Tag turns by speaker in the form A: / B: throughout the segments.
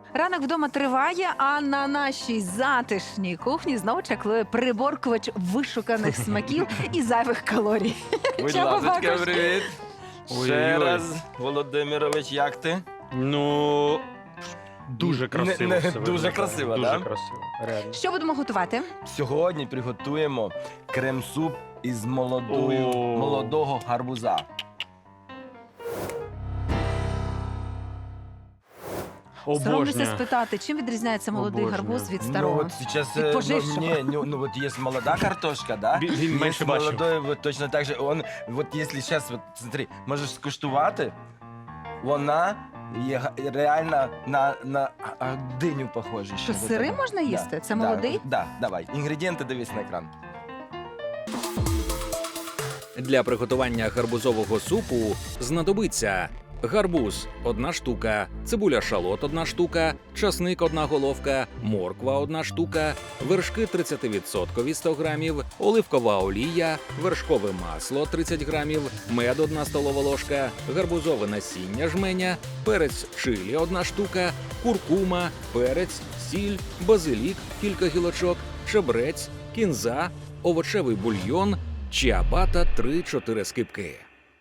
A: Ранок вдома триває, а на нашій затишній кухні знову чаклує приборкувач вишуканих смаків і зайвих калорій.
B: Будь
A: Чаба
B: ласка,
A: Бакуш.
B: привіт. Ще
C: Ой-ой-ой.
B: раз, Володимирович, як ти?
C: Ну, дуже красиво.
B: Не-
C: все
B: дуже
C: виглядає.
B: красиво,
C: Дуже
B: да?
C: красиво, реально.
A: Що будемо готувати?
B: Сьогодні приготуємо крем-суп із молодого гарбуза.
A: Соромлюся
C: Обожнюю.
A: спитати, чим відрізняється молодий
C: Обожнюю.
A: гарбуз від старого?
B: Ну, вот сейчас,
A: Від пожившого.
B: вот есть молодая картошка, да?
C: Він
B: Есть
C: менше бачив.
B: молодой, вот точно так же. Он, вот если сейчас, вот смотри, можеш скуштувати, вона є реально на диню похожа.
A: Що, сири можна їсти? Це молодий?
B: Да, давай. Інгредієнти дивись на екран.
D: Для приготування гарбузового супу знадобиться гарбуз – 1 штука, цибуля шалот – 1 штука, часник – 1 головка, морква – 1 штука, вершки 30% – 100 грамів, оливкова олія, вершкове масло – 30 грамів, мед – 1 столова ложка, гарбузове насіння жменя, перець чилі – 1 штука, куркума, перець, сіль, базилік – кілька гілочок, чебрець, кінза, овочевий бульйон, чиабата 3-4 скибки.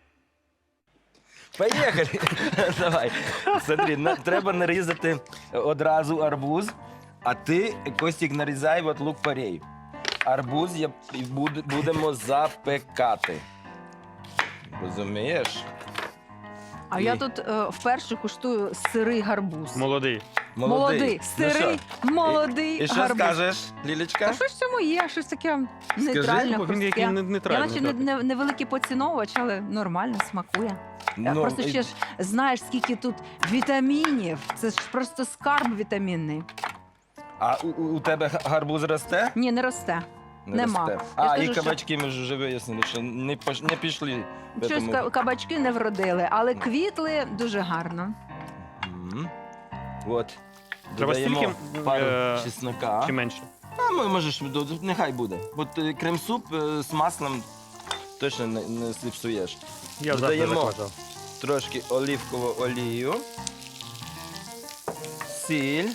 B: Поїхали! Давай. Смотри, треба нарізати одразу арбуз, а ти, Костік, нарізай от лук-порей. Арбуз будемо запекати. Розумієш?
A: А
B: І-
A: я тут вперше куштую сирий гарбуз.
C: Молодий.
A: Молодий,
B: Ну
A: сирий,
B: що?
A: молодий
B: І що
A: гарбуз.
B: скажеш,
A: А
B: Лілечка?
A: щось в цьому є, щось таке нейтральне,
C: Бо він який
A: хрустке. Я
C: нейтральний.
A: наче
C: так.
A: невеликий поціновувач, але нормально смакує.
B: Ну,
A: Просто
B: і-
A: ще ж знаєш, скільки тут вітамінів. Це ж просто скарб вітамінний.
B: А у тебе гарбуз росте?
A: Ні, не росте. Нема.
B: Росте.
A: Я ж
B: А,
A: кажу,
B: і
A: що-
B: кабачки ми ж вже вияснили, що не пішли. в
A: Щось
B: этому.
A: кабачки не вродили, але квітли дуже гарно.
B: Мгм. От.
C: Треба
B: Додаємо
C: стільки,
B: пару
C: е,
B: чеснока.
C: Чи менше?
B: А можеш, нехай буде. От крем-суп з маслом точно не зіпсуєш.
C: Я завжди
B: Додаємо
C: закладав.
B: трошки оливкову олію, сіль.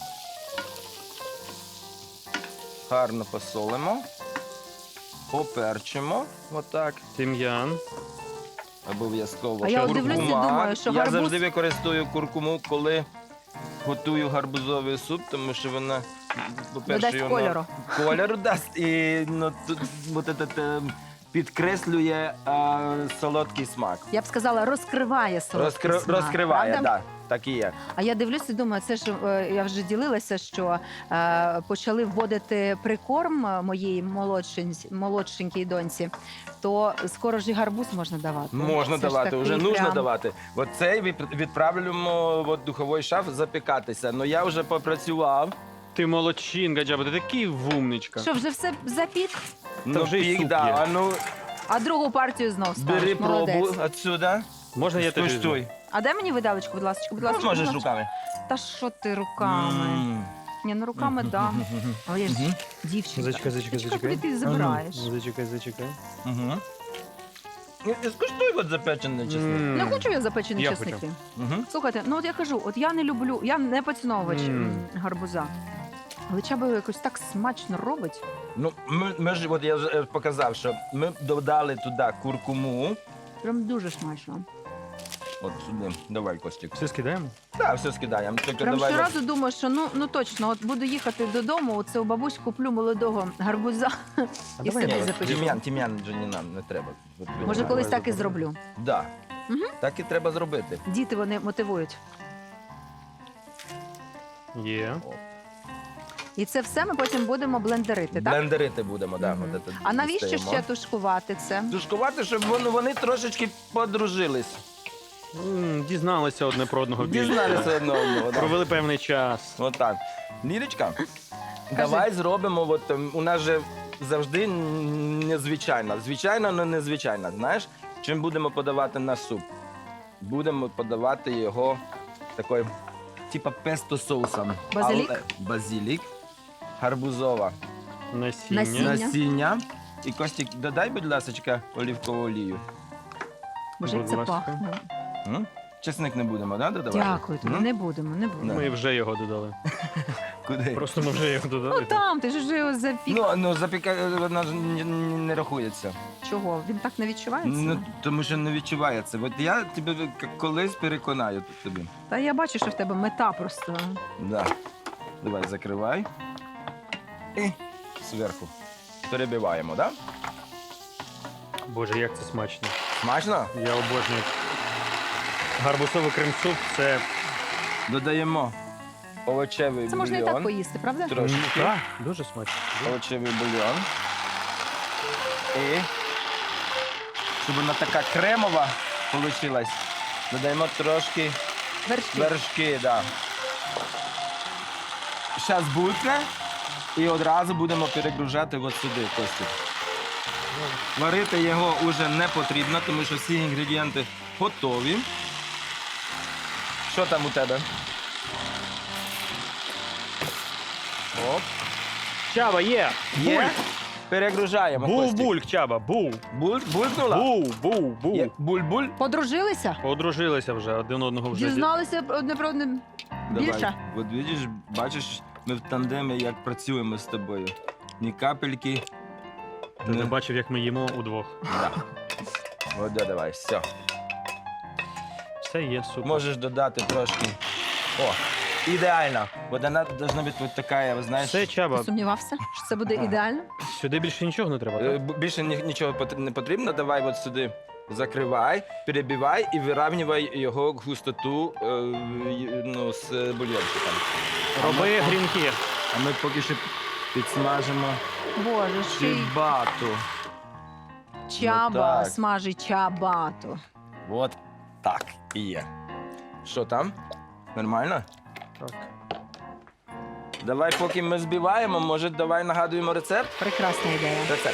B: Гарно посолимо. Поперчимо. Отак.
C: Тим'ян.
B: Обов'язково.
A: А я от дивлюсь і
B: Куркума.
A: думаю, що
B: Я
A: гарбуз-
B: завжди використовую куркуму, коли готую гарбузовий суп, тому що вона, по-перше,
A: Додасть кольору.
B: Кольору дасть і ну, тут, от этот, підкреслює солодкий смак.
A: Я б сказала, розкриває солодкий смак,
B: Розкриває,
A: правда?
B: так. Так і є.
A: А я дивлюся і думаю, це ж я вже ділилася, що почали вводити прикорм моїй молодшенькій доньці, то скоро ж і гарбуз можна давати.
B: Можна
A: Це ж
B: давати,
A: такий
B: вже нужно
A: прям-
B: давати. От цей відправляємо в духовий шаф запікатися. Ну я вже попрацював.
C: Ти молодчинка, Джаба, ти такий вумничка.
A: Що, вже все запік?
B: Ну,
C: вже й
B: пік,
C: суп
B: да.
C: є.
B: А ну,
A: А другу партію знов ставиш.
B: бери
A: Молодець.
B: пробу отсюда.
C: Можна я теж візьму?
B: Скуштуй.
A: А дай мені видалочку, будь ласка. Будь ласка,
B: Ну, можеш
A: будь ласка.
B: руками.
A: Та що ти руками? Ні, ну руками дам. Але я ж
B: Мгм.
A: дівчинка.
C: Зачекай.
A: Куди ти забираєш?
C: Зачекай.
B: Угу. Скуштуй от запечений чесник.
A: Не хочу я запечені
C: Я
A: чесники.
B: Угу.
A: Слухайте, ну от я кажу, от я не люблю, я не поціновувач
C: Мм.
A: гарбуза. Але Чаба якось так смачно робить.
B: Ну, ми ж, от я вже показав, що ми додали туди куркуму.
A: Прям дуже смачно.
B: От сюди. Давай, Костік.
C: Все скидаємо?
B: Так, все скидаємо. Тільки
A: Прям
B: давай.
A: щоразу думаю, що ну точно, от буду їхати додому, оце у бабусь куплю молодого гарбуза і
C: давай
A: собі
C: я
A: запечу.
B: Тім'ян вже не нам, не треба. От,
A: Може, колись так і зроблю.
B: Да.
A: Мгм.
B: Так і треба зробити.
A: Діти вони мотивують.
C: Є.
A: І це все ми потім будемо блендерити, так?
B: Блендерити будемо, да.
A: Мгм.
B: От це
A: А навіщо
B: дістаємо.
A: ще тушкувати це?
B: Тушкувати, щоб вони трошечки подружились.
C: Дізналися одне про одного більше.
B: Дізналися одне одного. да.
C: Провели певний час.
B: Отак. Лірочка, давай зробимо, от, у нас же завжди незвичайно. Звичайно, але незвичайно. Знаєш, чим будемо подавати наш суп? Будемо подавати його такою, типа песто соусом.
A: Базилік?
B: Але базилік, гарбузова
C: Насіння.
B: насіння. І Костік, додай, будь ласка, олівкову олію.
A: Боже, як
C: Будь
A: це
C: ласка.
A: пахне.
B: М? чесник не будемо, да, додавати?
A: Дякую тобі,
B: М?
A: не будемо, не будемо.
C: Ми вже його додали.
B: Куди?
C: Просто ми вже його додали.
A: Ну там, ти ж вже його запік.
B: Ну вона ж не рахується.
A: Чого? Він так не відчувається?
B: Ну, тому що не відчувається. От я тебе колись переконаю тут тобі.
A: Та я бачу, що в тебе мета просто.
B: Да. Давай, закривай. І зверху. Перебиваємо, так? Да?
C: Боже, як це смачно.
B: Смачно?
C: Я обожнюю. Гарбузовий крем-суп – це...
B: Додаємо овочевий
A: Це можна і так
B: бульйон.
A: поїсти, правда?
B: Трошки.
C: Так, дуже смачно.
B: Овочевий бульйон. І щоб вона така кремова вийшла, додаємо трошки
A: Вершки.
B: вершки. Да. Зараз булькне і одразу будемо перегружати от сюди, Костю. Варити його вже не потрібно, тому що всі інгредієнти готові. Що там у тебе? Оп.
C: Чаба, є!
B: Є? Перегружаємо, Костю.
C: Був-бульк, Чаба, був.
B: Булькнула?
C: Був.
B: Є. Буль-буль?
A: Подружилися?
C: Одружилися вже, один одного вже.
A: Дізналися одне про одне більше?
B: Давай. От бачиш, ми в тандемі як працюємо з тобою. Ні капельки.
C: Ти не бачив, як ми їмо удвох.
B: Да. От, давай, все.
C: Все є, супер.
B: Можеш додати трошки. О, ідеально. От вона повинна бути от така, ви знаєш.
C: Все, Чаба,
A: Ти сумнівався, що це буде
B: Ага.
A: ідеально?
C: сюди більше нічого не треба, так?
B: Більше нічого не потрібно. Давай от сюди закривай, перебивай і вирівнювай його густоту ну, з бульйончиком.
C: Роби грінки.
B: А ми поки що підсмажимо
A: Боже, ще й
B: чибату.
A: чаба
B: Ну, так.
A: смажить чабату.
B: От так і є. Що там? Нормально?
C: Так.
B: Давай, поки ми збиваємо, може, давай нагадуємо рецепт?
A: Прекрасна ідея.
B: Рецепт.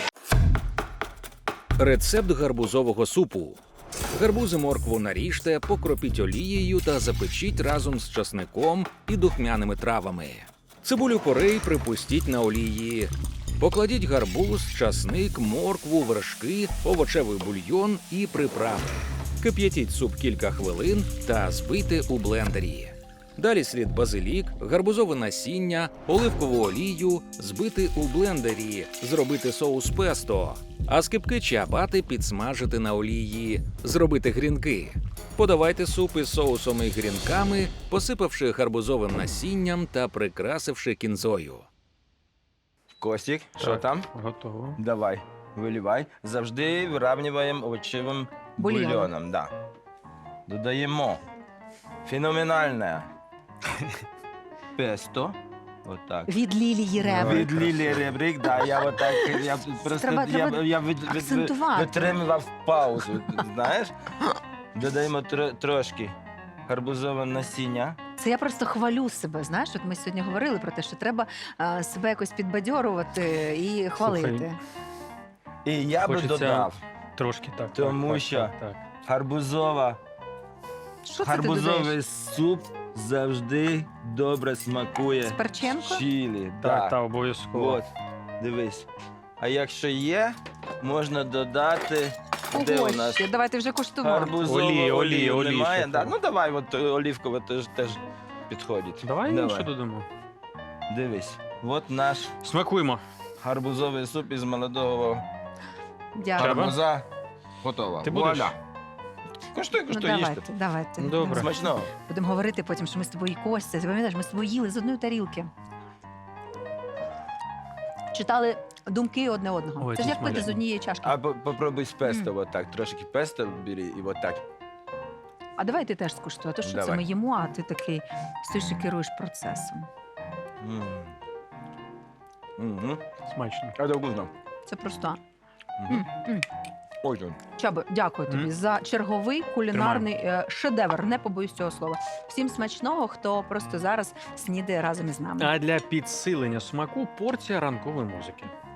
D: Рецепт гарбузового супу. Гарбузи моркву наріжте, покропіть олією та запечіть разом з часником і духмяними травами. Цибулю порей припустіть на олії. Покладіть гарбуз, часник, моркву, вершки, овочевий бульйон і приправи. Кип'ятіть суп кілька хвилин та збийте у блендері. Далі слід базилік, гарбузове насіння, оливкову олію, збити у блендері, зробити соус песто, а скибки чиабати підсмажити на олії, зробити грінки. Подавайте суп із соусом і грінками, посипавши гарбузовим насінням та прикрасивши кінзою.
B: Костік, що
C: Так.
B: там?
C: Готово.
B: Давай, виливай. Завжди вирівнюємо овочевим
A: Бульйон.
B: бульйоном. Да. Додаємо феноменальне песто. Отак.
A: Від Лілії Реви.
B: Від Лілії Ребрик, да, я отак, я просто
A: Треба акцентувати.
B: витримував паузу, знаєш? Додаємо трошки гарбузове насіння.
A: Це я просто хвалю себе. Знаєш, от ми сьогодні говорили про те, що треба себе якось підбадьорувати і хвалити.
B: І я би
C: Хочеться
B: додав
C: Трошки так.
B: Тому
C: так,
B: що-
C: Так.
B: гарбузова.
A: Що це ти
B: Гарбузовий
A: додаєш?
B: суп завжди добре смакує.
A: З перченко?
B: Чилі.
C: Так,
B: да.
C: так, обов'язково.
B: От, дивись. А якщо є, можна додати. Де у
A: Ого,
B: нас?
A: ще. Давайте вже куштувати.
B: Гарбузову
C: Олії,
B: олію
C: олії
B: немає?
C: ще
B: Да.
C: треба.
B: Ну давай, от олівкове теж підходить.
C: Давай інше додамо.
B: Дивись. От наш
C: Смакуємо.
B: гарбузовий суп із молодого
A: Дякую.
B: гарбуза готово.
C: Ти будеш?
B: Вуаля. Куштуй,
A: Ну,
B: куштуй, їжте.
A: давайте.
C: Добре.
B: Смачного.
A: Будемо говорити потім, що ми з тобою і Костя. Ти пам'ятаєш, ми з тобою їли з одної тарілки. Читали думки одне одного.
C: Ой,
A: Це ж
C: це
A: як пити з
C: смачно.
A: однієї чашки.
B: А попробуй з песто, отак. Трошки песто бери і отак.
A: А давай ти теж скуштуй. А то що це
B: Давай.
A: ми їмо, а ти такий стоїш і керуєш процесом.
B: М. Мгм.
C: Смачно.
B: Это вкусно.
A: Це просто.
B: Мгм.
A: М.
B: Очень.
A: Чабо, дякую тобі
C: М.
A: за черговий кулінарний шедевр. Не побоюсь цього слова. Всім смачного, хто просто зараз снідає разом із нами.
C: А для підсилення смаку порція ранкової музики.